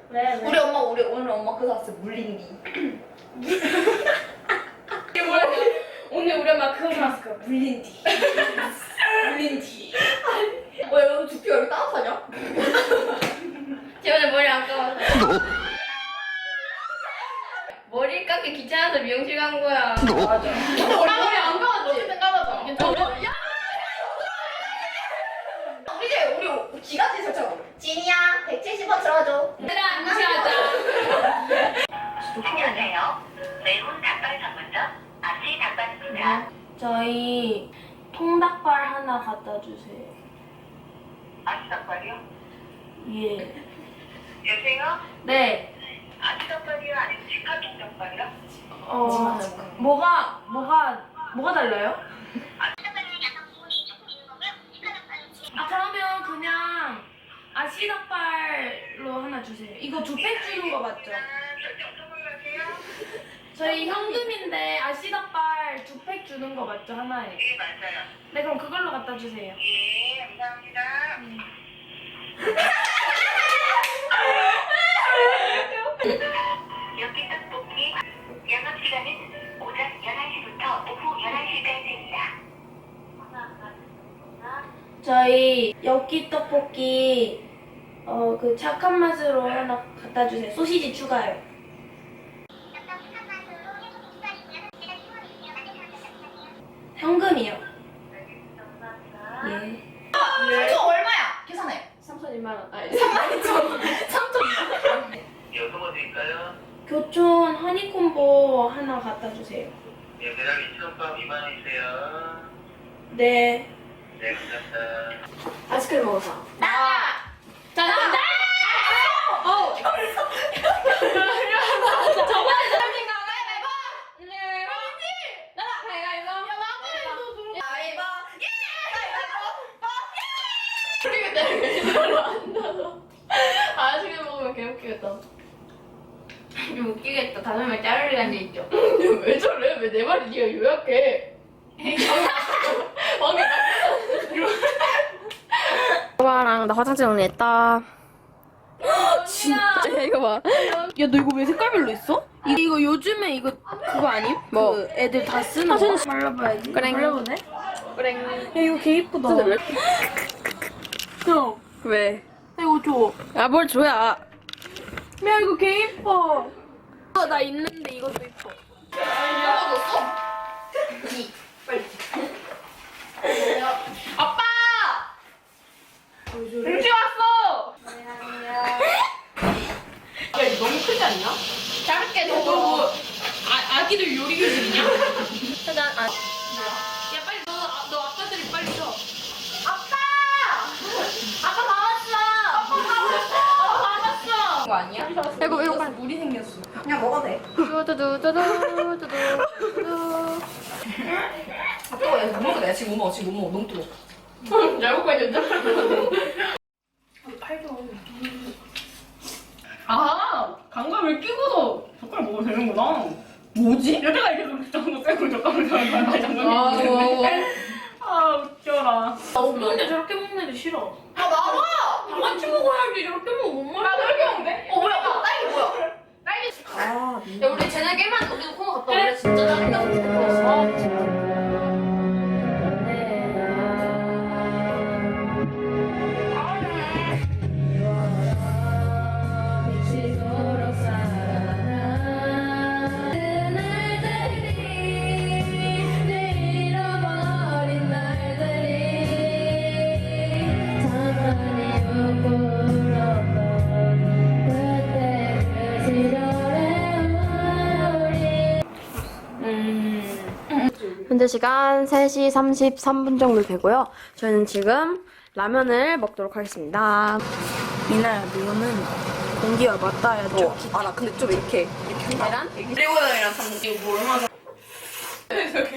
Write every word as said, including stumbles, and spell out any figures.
왜? 왜? 우리 엄마 우리 오늘 엄마 그거 샀어 물린디. 이게 뭐야? 오늘 우리 엄마 그거 사왔을 거야. 물린디. 물린디. 왜 여기 두피 여기 따뜻하냐? 지원이 머리 안 감았어. 머리 깎기 귀찮아서 미용실 간 거야. 맞아. 근데 우리 머리 안 감았지? 어쨌든 감았어. 괜찮아. 야! 우리 이제 우리 기가지 설정. 진이야 백칠십 원 들어줘. 얘들아 무시하자. 안녕하세요. 매운 닭발 전문점 아치 닭발입니다. 저희 통닭발 하나 갖다 주세요. 아치 닭발이요? 예. 여보세요? 네. 아치 닭발이요? 아니면 직화통 닭발이요? 어 뭐가 뭐가 뭐가 달라요? 아치 닭발은 약간 부분이 조금 있는 거고요. 직화 닭발은 아 그러면 그냥 아시 닭발로 하나 주세요. 이거 두 팩 주는 거 맞죠? 절대 어떤 걸로 하세요? 저희 현금인데 아시 닭발 두 팩 주는 거 맞죠 하나에? 네, 맞아요. 네 그럼 그걸로 갖다 주세요. 예, 감사합니다. 여기 떡볶이 영업시간은 오전 열한 시부터 오후 열한 시까지입니다. 저희 엽기 떡볶이 어 그 착한 맛으로 하나 갖다 주세요. 소시지 추가요. 현금이요. 예. 삼천 얼마야? 계산해. 삼천이만 원. 아니. 삼만 이천. 삼천. 여금 어디일까요? 교촌 허니콤보 하나 갖다 주세요. 예, 대략 이천 원밥 이만 원이세요. 네. 네, 감사합니다. 아이스크림 먹어서. 나. 자, 나. 어. 저번에 사람인가 가위바위보. 네. 나가 가위바위보. 야 나도 가위바. 예! 아, 아이스크림 먹으면 개 웃기겠다. 좀 웃기겠다. 다섯 명 짜르르 앉아있죠. 왜 저래? 왜 내 말이 네가 요약해? 방금 오빠랑 나 화장실 정리했다. 진짜 야, 이거 봐. 야, 너 이거 왜 색깔별로 있어? 이, 이거 요즘에 이거 그거 아님? 뭐? 그 애들 다 쓰는 거? 말라봐야지. 그래. 말라보네? 그래. 야, 이거 개 이쁘다. 왜? 형, 왜? 야, 이거 줘. 아, 뭘 줘야. 야, 이거 개 이뻐. 어, 나 있는데 이것도 이뻐. 얼마 줬어? 이. 빨리. 아빠! 등치 왔어! 야, 이거 너무 크지 않냐? 짧게 너 줘. 뭐, 아, 아기들 요리 교실이냐? 짜잔. 아, 야, 빨리 너, 아, 너 아빠들이 빨리 줘. 아빠! 아빠 다 왔어! 아빠 다 왔어! 아빠 다 왔어! 이거 아니야? 이거, 이거 빨리. 물이 생겼어. 그냥 먹어도 돼. 두두두두두두두. 아, 뜨거워. 야, 못 먹어. 내가 지금 못 먹어. 지금 못 먹어. 너무 뜨거워. 잘못 걸렸다. 팔 좀. 아, 감각을 끼고도 젓가락 먹어도 되는구나. 뭐지? 여태가 이렇게 장갑 빼고 젓가락 장갑 장갑 아, 있는데. 아, 웃겨라. 나 없는데 저렇게 먹는 애들 싫어. 아, 나와! 다 같이 먹어야지. 저렇게 먹으면 못 먹어. 나도 이렇게 먹는데? 어, 뭐야? 야, 딸기 뭐야? 딸기. 아, 야, 우리 쟤네 깨만 우리도 코너 갔다 올래? 진짜 짜증나. 현재 시간 세 시 삼십삼 분 정도 되고요. 저희는 지금 라면을 먹도록 하겠습니다. 미나야, 너는 공기와 맞닿아야 돼. 아, 나 근데 좀 이렇게. 이렇게 계란? 레오형이랑 장 이거 뭐 얼마나.